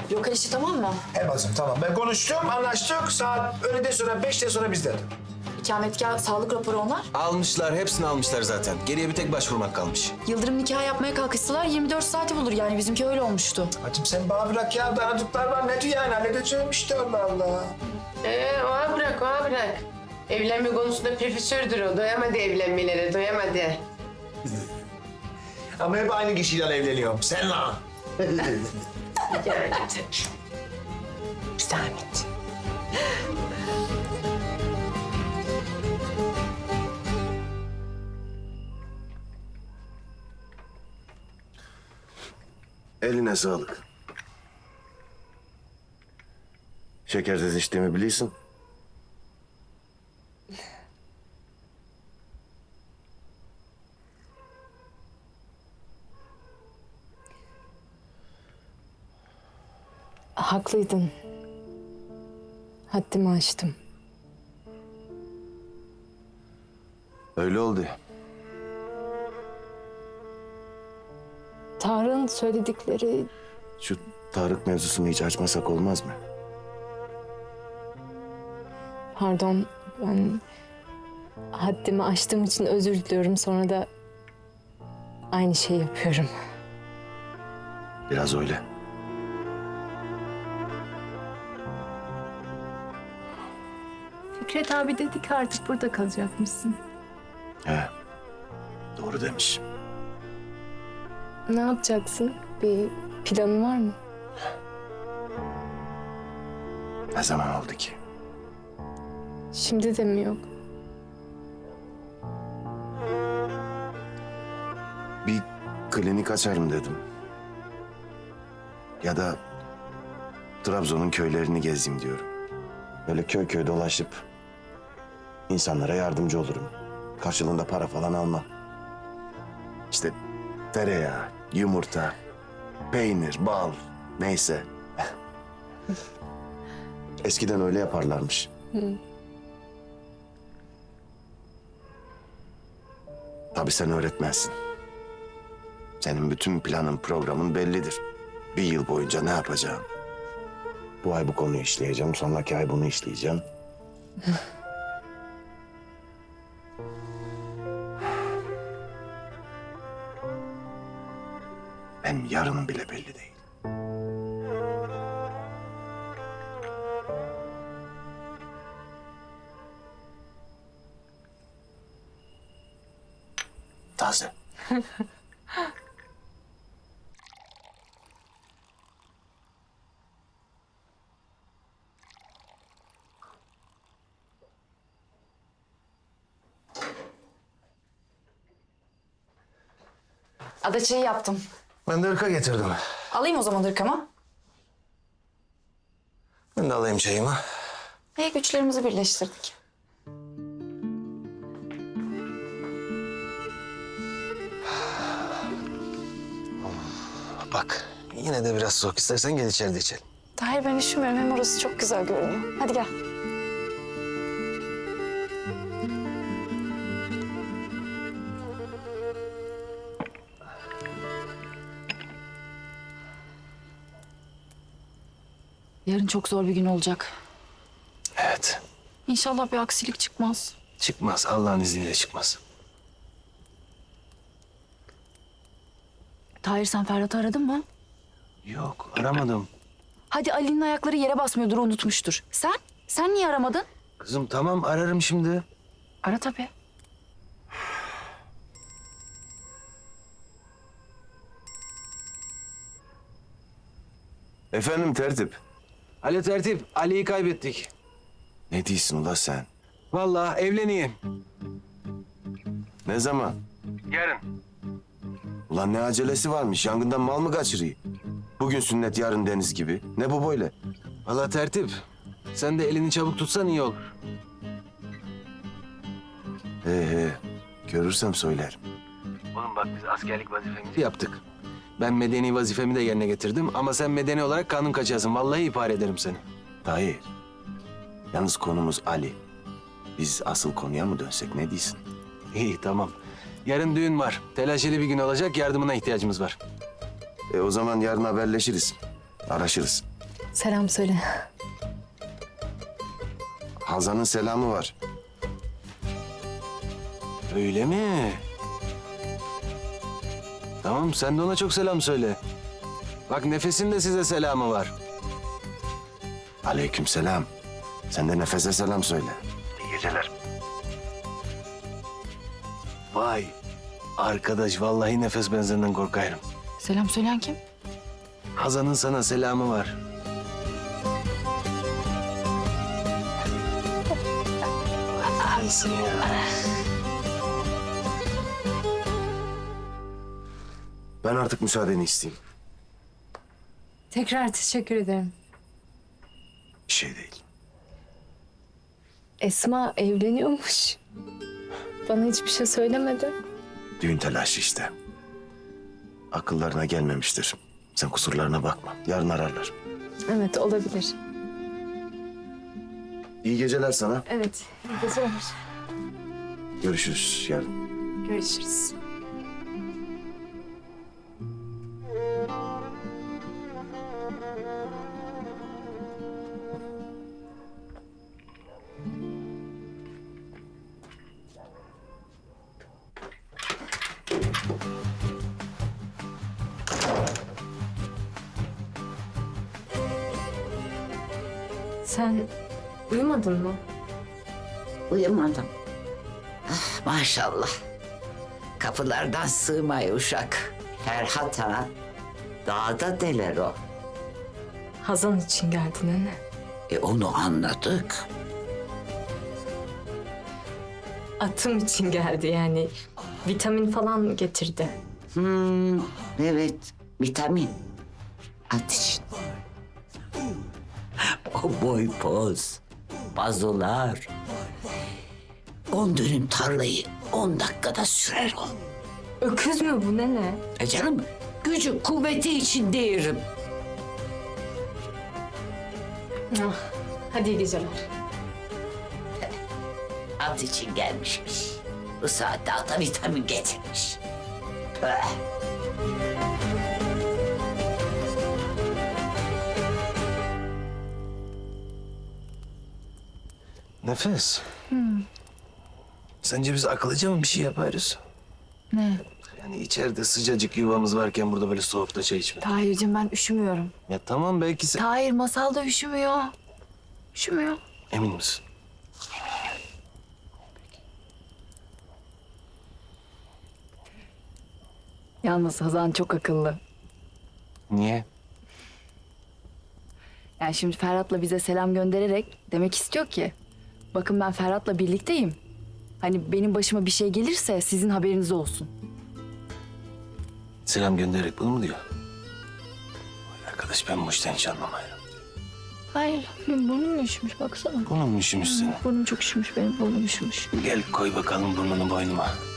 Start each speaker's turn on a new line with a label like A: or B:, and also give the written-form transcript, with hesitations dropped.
A: Lokal işi tamam mı?
B: He bacım tamam. Ben konuştum, anlaştık. Saat öğleden sonra, 5'ten sonra bizde.
A: İkametgah, sağlık raporu onlar.
C: Almışlar, hepsini almışlar zaten. Geriye bir tek başvurmak kalmış.
A: Yıldırım nikah yapmaya kalkışsalar 24 saati bulur yani. Bizimki öyle olmuştu.
B: Bacım sen bana bırak ya. Tanıdıklar var. Ne diyor yani? Halledeceğim işte Allah Allah.
D: Ona bırak, ona bırak. Evlenme konusunda profesördür o. Doyamadı evlenmelere, doyamadı.
B: Ama hep aynı kişiyle evleniyorum. Sen lan.
D: Zahmet.
E: Eline sağlık. Şekersiz içtiğimi biliyorsun.
F: Haklıydın. Haddimi aştım.
E: Öyle oldu.
F: Tarık'ın söyledikleri
E: Şu Tarık mevzusunu hiç açmasak olmaz mı?
F: pardon ben haddimi aştığım için özür diliyorum. Sonra da aynı şeyi yapıyorum.
E: Biraz öyle.
F: Fikret abi dedi ki artık burada kalacakmışsın.
E: He. Doğru demiş.
F: Ne yapacaksın? Bir planın var mı?
E: Ne zaman oldu ki?
F: Şimdi de mi yok?
E: Bir klinik açarım dedim. Ya da Trabzon'un köylerini gezeyim diyorum. Böyle köy köy dolaşıp insanlara yardımcı olurum. Karşılığında para falan almam. İşte tereyağı, yumurta, peynir, bal neyse. Eskiden öyle yaparlarmış. Tabii sen öğretmensin. Senin bütün planın, programın bellidir. Bir yıl boyunca ne yapacağım? Bu ay bu konuyu işleyeceğim, sonraki ay bunu işleyeceğim. Benim yarınım bile belli değil. Taze.
A: Adaçayı yaptım.
B: Ben de ırka getirdim.
A: Alayım o zaman ırkama.
B: Ben de alayım çayımı.
A: Güçlerimizi birleştirdik.
B: Bak yine de biraz soğuk. İstersen gel içeride içelim.
A: Tahir ben üşümüyorum. Hem orası çok güzel görünüyor. Hadi gel. Yarın çok zor bir gün olacak.
B: Evet.
A: İnşallah bir aksilik çıkmaz.
B: Çıkmaz. Allah'ın izniyle çıkmaz.
A: Tahir sen Ferhat'ı aradın mı?
B: Yok aramadım.
A: Hadi Ali'nin ayakları yere basmıyordur, unutmuştur. Sen? Sen niye aramadın?
B: Kızım tamam ararım şimdi.
A: Ara tabii.
E: Efendim tertip.
C: Alo tertip, Ali'yi kaybettik.
E: Ne diyorsun ula sen?
C: Vallahi evleneyim.
E: Ne zaman?
C: Yarın.
E: Ulan ne acelesi varmış? Yangından mal mı kaçırıyor? Bugün sünnet, yarın deniz gibi. Ne bu böyle?
C: Vallahi tertip, sen de elini çabuk tutsan iyi olur.
E: He. Görürsem söylerim.
C: Oğlum bak biz askerlik vazifemizi yaptık. Ben medeni vazifemi de yerine getirdim ama sen medeni olarak kanun kaçarsın. Vallahi ihbar ederim seni.
E: Hayır. Yalnız konumuz Ali. Biz asıl konuya mı dönsek ne diyorsun?
C: İyi tamam. Yarın düğün var. Telaşeli bir gün olacak. Yardımına ihtiyacımız var.
E: O zaman yarın haberleşiriz. Araşırız.
F: Selam söyle.
E: Hazan'ın selamı var.
C: Öyle mi? Tamam, sen de ona çok selam söyle. Bak Nefes'in de size selamı var.
E: Aleykümselam. Sen de Nefes'e selam söyle. İyi geceler.
C: Vay, arkadaş vallahi Nefes benzerinden korkarım.
A: Selam söyleyen kim?
C: Hazan'ın sana selamı var. Adamsın ya.
E: Ben artık müsaadeni isteyeyim.
F: Tekrar teşekkür ederim.
E: Bir şey değil.
F: Esma evleniyormuş. Bana hiçbir şey söylemedi.
E: Düğün telaşı işte. Akıllarına gelmemiştir. Sen kusurlarına bakma. Yarın ararlar.
F: Evet olabilir.
E: İyi geceler sana.
F: Evet. İyi geceler.
E: Görüşürüz yarın.
F: Görüşürüz. Sen uyumadın mı?
G: Uyumadım. Ah, maşallah. Kapılardan sığmay uşak. Ferhat ha. Dağda deler o.
F: Hazan için geldin anne.
G: Onu anladık.
F: Atım için geldi yani. Vitamin falan getirdi.
G: Evet, vitamin. At için. O boy poz, bazolar. 10 dönüm tarlayı 10 dakikada sürer o.
F: Öküz mü bu nene?
G: Canım, gücü kuvveti için değilim.
F: Ah, hadi iyi geceler.
G: At için gelmişmiş. Bu saatte ata vitamin getirmiş. Püh.
C: Nefes. Sence biz akıllıca mı bir şey yaparız?
A: Ne?
C: Yani içeride sıcacık yuvamız varken burada böyle soğukta çay içmek.
A: Tahir'cim ben üşümüyorum.
C: Ya tamam belki sen...
A: Tahir Masal da üşümüyor. Üşümüyor.
C: Emin misin?
A: Yalnız Hazan çok akıllı.
C: Niye?
A: Yani şimdi Ferhat'la bize selam göndererek demek istiyor ki... Bakın ben Ferhat'la birlikteyim. Hani benim başıma bir şey gelirse sizin haberiniz olsun.
C: Selam göndererek bunu mu diyor? Vay arkadaş ben bu işten hiç anlamıyorum.
A: Hayır, benim burnum üşümüş baksana.
C: Burnun mu üşümüş senin?
A: Burnum çok üşümüş benim, burnum üşümüş.
C: Gel koy bakalım burnunu boynuma.